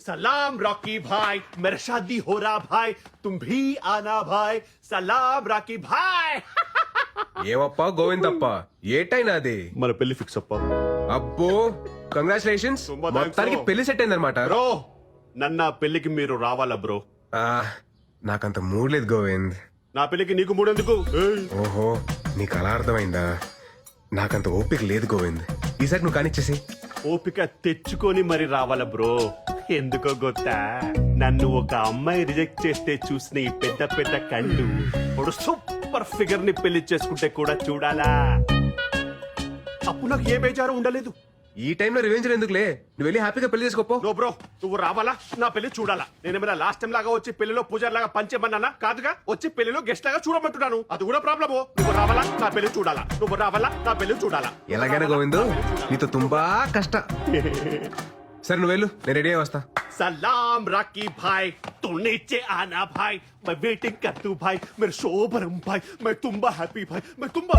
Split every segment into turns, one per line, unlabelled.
सलाम रॉकी भाई मेरा शादी हो रहा भाई तुम भी आना भाई सलाम रॉकी भाई
ఏమప్పా గోవిందప్ప ఏటైనా అది
మన పెళ్లి ఫిక్స్ అప్ప
అబ్బో కంగ్రాచులేషన్స్
తుంబా thanks
మొత్తానికి
bro.
పెళ్లి సెట్ అయిందనమాట
బ్రో నన్న పెళ్లికి మీరు రావాలా బ్రో
నాకంత మూడ్ లేదు గోవింద్
నా పెళ్లికి నీకు మూడెందుకు ఏయ్,
ఓహో నీకు అలా అర్థమైందా నాకంత ఓపిక లేదు గోవింద్ ఈసారి నువ్వు కానిచ్చేసి
ఓపిక తెచ్చుకొని మరి రావాలా బ్రో ఎందుకో గొత్తా నన్ను ఒక అమ్మాయి రిజెక్ట్ చేస్తే చూసిన ఈ పెద్ద పెద్ద కళ్ళు ఒక సూపర్ ఫిగర్ ని పెళ్లి చేసుకుంటే కూడా చూడాలా అప్పుడు నాకు ఏ బేజారు ఉండలేదు
ఈ టైంలో రివెంజ్ ఎందుకులే నువ్వు వెళ్ళి హ్యాపీగా పెళ్లి చేసుకోపో
నో బ్రో నువ్వు రావాలా నా పెళ్లి చూడాలా నేనేమైనా లాస్ట్ టైం లాగా వచ్చి పెళ్లిలో పూజారి లాగా పంచేమన్నానా కాదుగా వచ్చి పెళ్లిలో గెస్ట్ లాగా చూడమంటున్నాను అది కూడా ప్రాబ్లమ్ నువ్వు రావాలా నా పెళ్లి చూడాలా నువ్వు రావాలా నా పెళ్లి చూడాలా
ఎలాగైనా గోవింద్ నీతో తుంబా కష్ట సరే నువ్వు వెళ్ళు నేను రెడీ అయి వస్తా
सलाम राकी भाई तू नीचे आना भाई मैं वेटिंग कर तू भाई मेरे शोभरम भाई मैं तुम्बा हैप्पी भाई मैं तुम्बा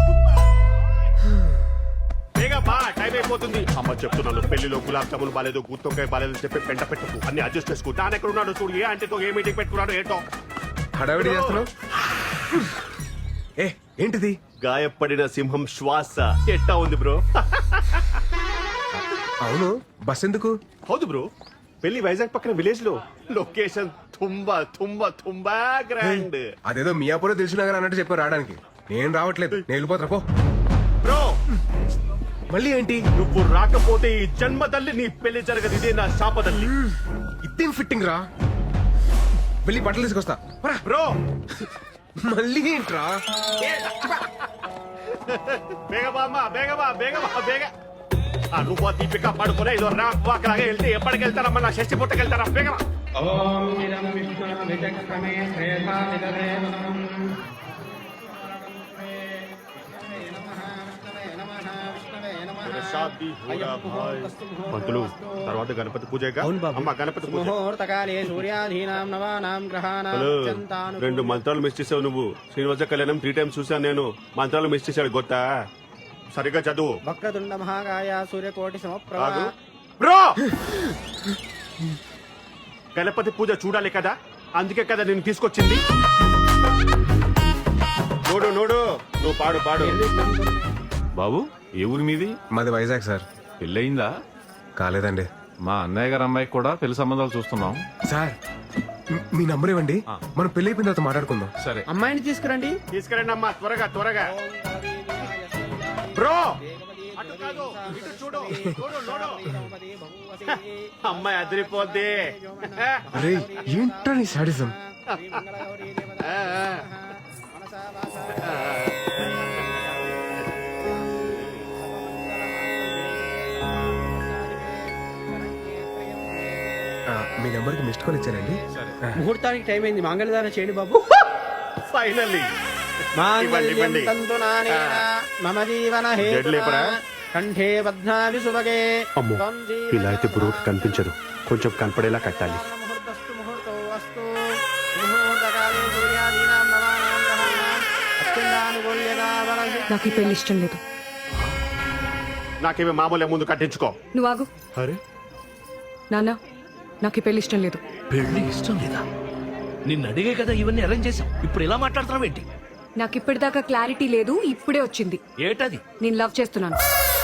బేగా బా టైం అయిపోతుంది అమ్మ చెప్తున్నాను పెళ్లిలో గులాబ్ జామున్ బాలేదు గుత్తొక్కాయ బాలేదు చెప్పి పెంట పెట్టుకు అన్ని అడ్జస్ట్ చేసుకో దాని ఎక్కడ ఉన్నాడు చూడు ఏ అంటే ఏ మీటింగ్ పెట్టుకున్నాడు ఏంటో
హడావిడి చేస్తున్నావు ఏ ఏంటిది
గాయపడిన సింహం శ్వాస ఎట్టా ఉంది బ్రో
అవును బస్ ఎందుకు
హౌదు బ్రో పెళ్లి వైజాగ్ పక్కన విలేజ్ లో లొకేషన్ తుంబా తుంబా తుంబా గ్రాండ్
అదేదో మియాపూర్ తెలిసినాగా అన్నట్టు చెప్పారు రావడానికి నేను రావట్లేదు నేను వెళ్ళిపోతా పో
బ్రో
మళ్ళీ ఏంటి
నువ్వు రాకపోతే ఈ జన్మ తల్లి నీ పెళ్లి జరగదు ఇదే నా శాపదల్లి
ఇదేం ఫిట్టింగ్ రా వెళ్ళి బట్టలు తీసుకొస్తా పరా.
బ్రో
మళ్ళీ ఏంట్రా
బేగబా బేగ ఆ నువ్వు దీపిక పడుకునే ఇదో రాలాగా వెళ్తే ఎప్పటికి వెళ్తారమ్మా నా షష్టి పుట్టకెళ్తారా బేగమా
ఓం ఇదం విష్ణు విచక్రమే శ్రేయసా నిదదేవనం
పంతులు తర్వాత గణపతి పూజ అమ్మ గణపతి పూజ
ముహూర్తకాలే సూర్యాధీనాం నవానాం గ్రహాణాం
హలో
అత్యంతాను
2 మంత్రాలు మిస్ చేసావు నువ్వు శ్రీనివాస కళ్యాణం 3 టైమ్స్ చూసాను నేను మంత్రాలు మిస్ చేశాడు గొత్తా సరిగ్గా చదువు
వక్రతుండ మహాకాయ సూర్యకోటి సమప్రభ
ఆగు. బ్రో గణపతి పూజ చూడాలి కదా అందుకే కదా నేను తీసుకొచ్చింది నోడు నువ్వు పాడు
బాబు ఏ ఊరి మీది?
మాది వైజాగ్ సార్
పెళ్ళయిందా?
కాలేదండి
మా అన్నయ్య గారు అమ్మాయికి కూడా పెళ్లి సంబంధాలు చూస్తున్నాం.
సార్ మీ నంబర్ ఇవ్వండి మనం పెళ్లి అయిపోయిన తర్వాత మాట్లాడుకుందాం.
సరే
అమ్మాయిని తీసుకురండి
తీసుకురండి అమ్మా త్వరగా బ్రో అటు కాదు ఇటు చూడు అమ్మాయి అదిరిపోద్ది
అరే ఏంట్రా నీ సాడిజం మీ నెంబర్కి మిస్డ్ కాల్ ఇచ్చానండి.
ముహూర్తానికి టైం అయింది మంగళదానం చేయండి బాబు.
ఫైనల్లీ
మాంగళ్యం తంతు నానేన మమ జీవన
జడ్లు ఎప్పుడా?
కంఠే బధ్నామి సుభగే
అమ్మో
త్వం
ఇలా అయితే బ్రోకి కనిపించదు కొంచెం కనపడేలా కట్టాలి
ముహూర్తస్తు ముహూర్తో అస్తు ముహూర్తకాలే సూర్యాధీనాం నవానాం గ్రహాణాం అత్యంతానుకూల్యతా వలసి
నాకు ఈ పెళ్లి ఇష్టం లేదు.
నాకేమీ మామూలే ముందు కట్టించుకో
నువ్వు ఆగు.
అరే
నాన్న నాకు ఈ పెళ్లి ఇష్టం లేదు.
పెళ్లి ఇష్టం లేదా? నిన్ను అడిగే కదా ఇవన్నీ అరేంజ్ చేశాం. ఇప్పుడు ఇలా మాట్లాడుతున్నావు ఏంటి?
నాకు ఇప్పటిదాకా క్లారిటీ లేదు, ఇప్పుడే వచ్చింది.
ఏటది?
నేను లవ్ చేస్తున్నాను.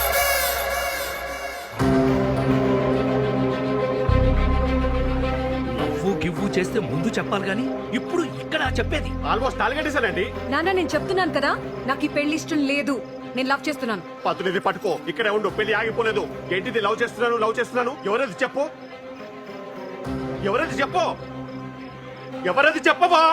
నవ్వు గివ్వు చేస్తే ముందు చెప్పాలి గాని ఇప్పుడు ఇక్కడ చెప్పేది.
ఆల్మోస్ట్ తాలిగట్టేశానండి
నాన్న నేను చెప్తున్నాను కదా, నాకు ఈ పెళ్లి ఇష్టం లేదు. నేను లవ్ చేస్తున్నాను.
పతునిది పట్టుకో ఇక్కడే ఉండు పెళ్లి ఆగిపోలేదు ఏంటిది లవ్ చేస్తున్నాను ఎవరది చెప్పు ఎవరది చెప్పవా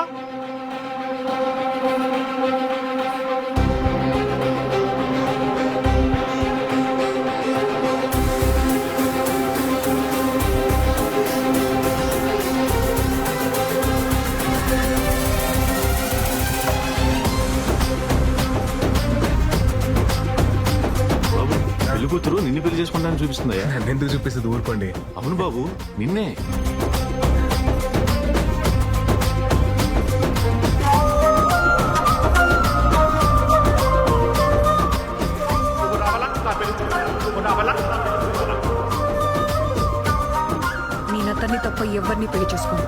బాబు పెళ్లి కూతురు నిన్ను పెళ్లి చేసుకుంటానని చూపిస్తుందయ్యా.
నన్నెందుకు చూపిస్తుంది ఊరుకోండి.
అవును బాబు నిన్నే.
నేను అతన్ని తప్ప ఎవరిని పెళ్లి చేసుకోను.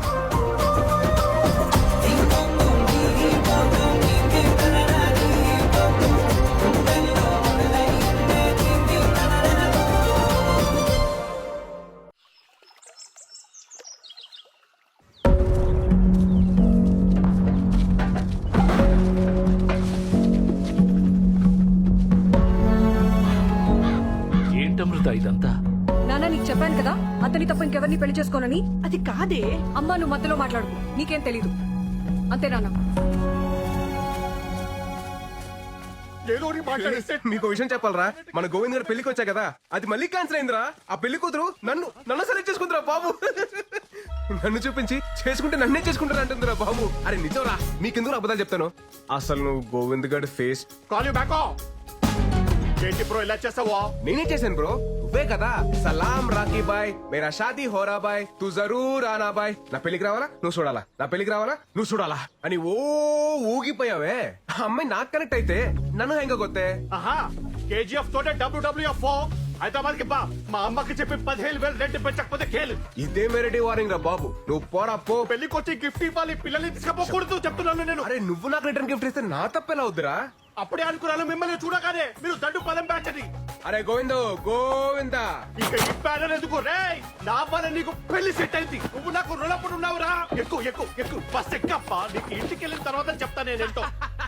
ఏంటమృత ఇదంతా?
నాన్న నీకు చెప్పాను కదా అతని తప్ప ఇంకెవరిని పెళ్లి చేసుకోనని.
అది కాదే.
అమ్మా నువ్వు మధ్యలో మాట్లాడుకో, నీకేం తెలీదు అంతే నాన్న.
మీకు విషయం చెప్పాలరా, మన గోవింద్ గారు పెళ్లికి వచ్చా కదా, అది మళ్ళీ క్యాన్సిల్ అయిందిరా. ఆ పెళ్లి కూతురు నన్ను సెలెక్ట్ చేసుకుందిరా బాబు. నన్ను చూపించి చేసుకుంటే నన్నే చేసుకుంటారా అంటుందిరా బాబు. అరే నిజంరా, మీకెందుకు అబద్ధాలు చెప్తాను. అసలు నువ్వు గోవింద్ గారి ఫేస్
కాల్ యూ బ్యాక్. ఏంటి బ్రో ఇలా చేసావా?
నేనే చేశాను బ్రో, నువ్వే కదా సలాం రాకీ బాయ్ మేరా షాదీ హోరా బాయ్ తూ జరూర్ ఆనా బాయ్, నా పెళ్లికి రావాలా నువ్వు చూడాలా, నా పెళ్లికి రావాలా నువ్వు చూడాలా అని ఊగిపోయావే. ఆ అమ్మాయి నాకు కనెక్ట్ అయితే నన్ను హెంగ కొత్తే.
ఆహా, కేజీఎఫ్ తోటే WWF హైదరాబాద్ కి బా. మా అమ్మకి చెప్పి 15,000 రెంట్ పెంచకపోతే కేలు.
ఇదే మెరటి వారింగ్ రా బాబు. నువ్వు పోరా పో.
పెళ్లికి వచ్చి గిఫ్ట్ ఇవ్వాలి, పిల్లల్ని తీసుకపోకూడదు చెప్తున్నాను నేను.
అరే నువ్వు నాకు రిటర్న్ గిఫ్ట్ ఇస్తే నా తప్పెలా అవుద్దురా.
అప్పుడే అనుకున్నాను మిమ్మల్ని చూడగానే మీరు దండు పదం బ్యాచ్ అని.
అరే గోవిందా
ఇక ఈ బ్యానర్ ఎందుకు రే? నా వల్ల నీకు పెళ్లి సెట్ అయింది, నువ్వు నాకు రుణపడి ఉన్నావురా. ఎక్కువ బస్ ఎక్కప్ప, నీకు ఇంటికి వెళ్ళిన తర్వాత చెప్తా నేనేంటో.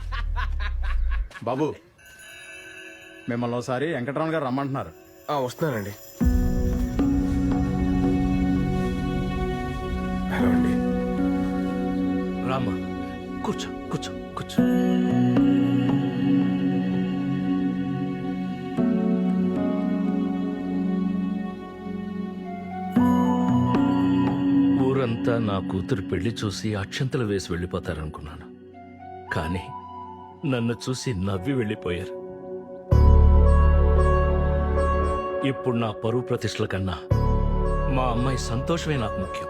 బాబు మిమ్మల్ని ఒకసారి వెంకటరమణ గారు రమ్మంటున్నారు.
వస్తున్నానండి. హలో అండి.
రామా కూర్చో కూర్చో కూర్చో. ఊరంతా నా కూతురు పెళ్లి చూసి అక్షంతలు వేసి వెళ్ళిపోతారనుకున్నాను, కానీ నన్ను చూసి నవ్వి వెళ్ళిపోయారు. ఇప్పుడు నా పరువు ప్రతిష్టల కన్నా మా అమ్మాయి సంతోషమే నాకు ముఖ్యం.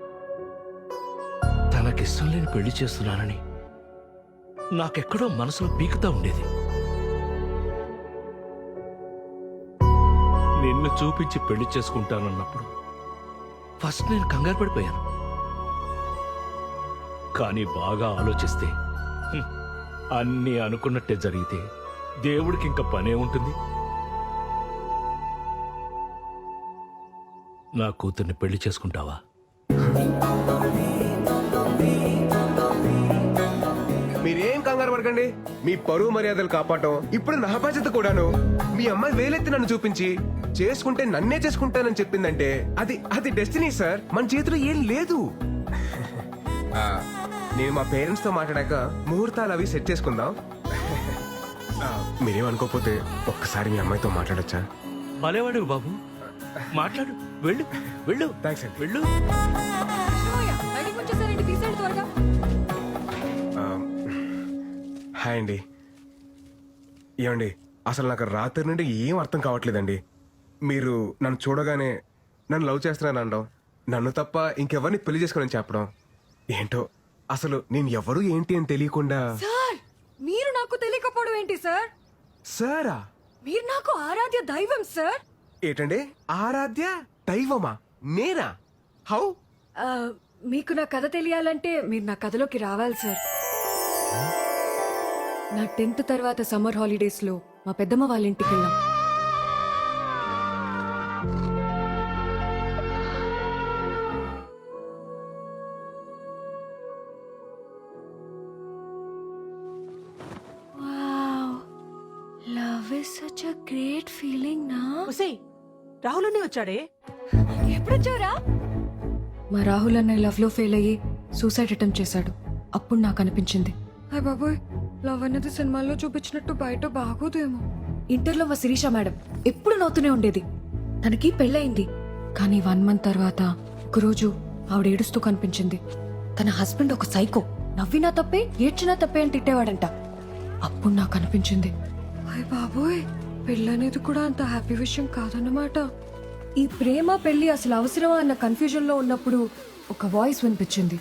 తనకిష్టం లేని పెళ్లి చేస్తున్నానని నాకెక్కడో మనసులో పీకుతా ఉండేది. నిన్ను చూపించి పెళ్లి చేసుకుంటానన్నప్పుడు ఫస్ట్ నేను కంగారు పడిపోయాను. కానీ బాగా ఆలోచిస్తే అన్నీ అనుకున్నట్టే జరిగితే దేవుడికి ఇంకా పనే ఉంటుంది. నా కూతుర్ని పెళ్లి చేసుకుంటావా?
మీరేం కంగారు పడకండి. మీ పరువు మర్యాదలు కాపాడటం ఇప్పుడు నా బాధ్యత కూడాను. మీ అమ్మాయి వేలెత్తి నన్ను చూపించి చేసుకుంటే నన్నే చేసుకుంటానని చెప్పిందంటే అది డెస్టినీ సార్. మన చేతిలో ఏం లేదు. నేను మా పేరెంట్స్ తో మాట్లాడాక ముహూర్తాలు అవి సెట్ చేసుకుందాం. మీరేమనుకోకపోతే ఒక్కసారి మీ అమ్మాయితో మాట్లాడొచ్చా?
భలేవాడు బాబు, మాట్లాడు. వెళ్ళు వెళ్ళు.
థ్యాంక్స్ అండి.
వెళ్ళు.
బయటికి వచ్చేసారండి, తీసేయండి త్వరగా.
హాయ్ అండి. ఏమండి, అసలు నాకు రాత్రి నుండి ఏం అర్థం కావట్లేదండి. మీరు నన్ను చూడగానే నన్ను లవ్ చేస్తున్నాను అనడం, నన్ను తప్ప ఇంకెవరిని పెళ్లి చేసుకోనని చెప్పడం, ఏంటో అసలు నేను ఎవరు ఏంటి అని తెలియకుండా.
సార్ మీరు నాకు తెలియకపోవడం ఏంటి సార్?
సారా?
మీరు నాకు ఆరాధ్య దైవం సార్.
ఏంటండి ఆరాధ్య దైవమా? నేనా? హౌ?
మీకు నా కథ తెలియాలంటే మీరు నా కథలోకి రావాలి సార్. నా 10th తర్వాత సమ్మర్ హాలిడేస్ లో మా పెద్దమ్మ వాళ్ళ ఇంటికి వెళ్ళాం. Love is such a great feeling నా.
ఒసేయ్, రాహుల్ అనే వచ్చాడే.
ఎప్పుడొచ్చారా? మా రాహుల్ అన్నయ్య లవ్ లో ఫెయిల్ అయ్యి సూసైడ్ అటెంప్ట్ చేశాడు. అప్పుడు నాకు అనిపించింది, హాయ్ బాబోయ్, లవ్ అన్నది సినిమాల్లో చూపించినట్టు బయట బాగోదేమో. ఇంటర్లో మా శిరీష మేడం ఎప్పుడు నవ్వుతూనే ఉండేది. తనకి పెళ్ళయింది, కానీ 1 month తర్వాత ఒకరోజు ఆవిడ ఏడుస్తూ కనిపించింది. తన హస్బెండ్ ఒక సైకో, నవ్వినా తప్పే ఏడ్చినా తప్పే అని తిట్టేవాడంట. అప్పుడు నాకు అనిపించింది, హాయ్ బాబోయ్, పెళ్ళనేది కూడా అంత హ్యాపీ విషయం కాదన్నమాట. ఈ ప్రేమ పెళ్లి అసలు అవసరమా అన్న కన్ఫ్యూజన్ లో ఉన్నప్పుడు ఒక వాయిస్ వినిపించింది.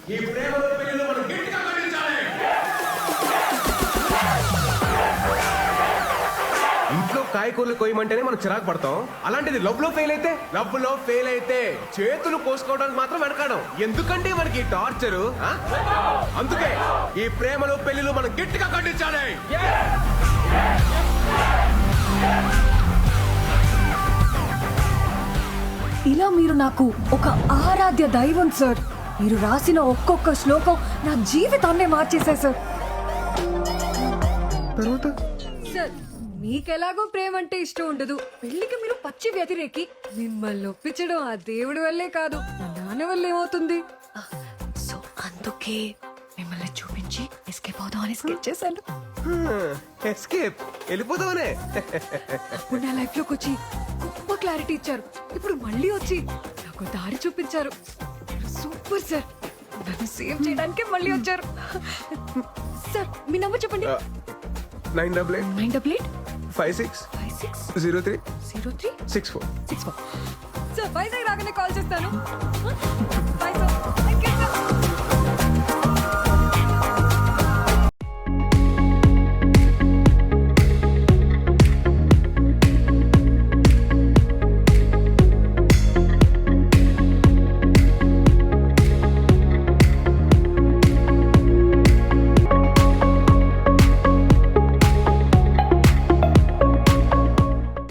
ఇంట్లో కాయకూరలు కొయ్యమంటేనే మనం చిరాకు పడతాం, అలాంటిది లవ్ లో ఫెయిల్ అయితే చేతులు కోసుకోవడానికి మాత్రం వెనకాడం. ఎందుకంటే మనకి ఈ టార్చరు? అందుకే ఈ ప్రేమలు పెళ్లిలు మనం గట్టిగా ఖండించాలి.
ఇలా మీరు నాకు ఒక ఆరాధ్య దైవం సార్. మీరు రాసిన ఒక్కొక్క శ్లోకం నా జీవితాన్నే మార్చేశాయి సార్.
తర్వాత
సార్ మీకెలాగో ప్రేమ అంటే ఇష్టం ఉండదు, పెళ్లికి మీరు పచ్చి వ్యతిరేకి. మిమ్మల్ని ఒప్పించడం ఆ దేవుడి వల్లే కాదు, నా నాన్న వల్ల ఏమవుతుంది. సో అందుకే మిమ్మల్ని చూపించి ఎస్కేప్ అవుదామని స్కెచ్ చేశాను.
ఎస్కేప్ వెళ్ళిపోదామనే.
అప్పుడు నా లైఫ్ లోకి వచ్చి గొప్ప క్లారిటీ ఇచ్చారు. ఇప్పుడు మళ్ళీ వచ్చి నాకు దారి చూపించారు. Super sir. నన్ను సేవ్ చేయడానికి మళ్ళీ వచ్చారు. సార్ మీ నంబర్ చెప్పండి.
988
988
56
56
03
03
64.
64. సార్ వైజాగ్ రాగానే కాల్ చేస్తాను.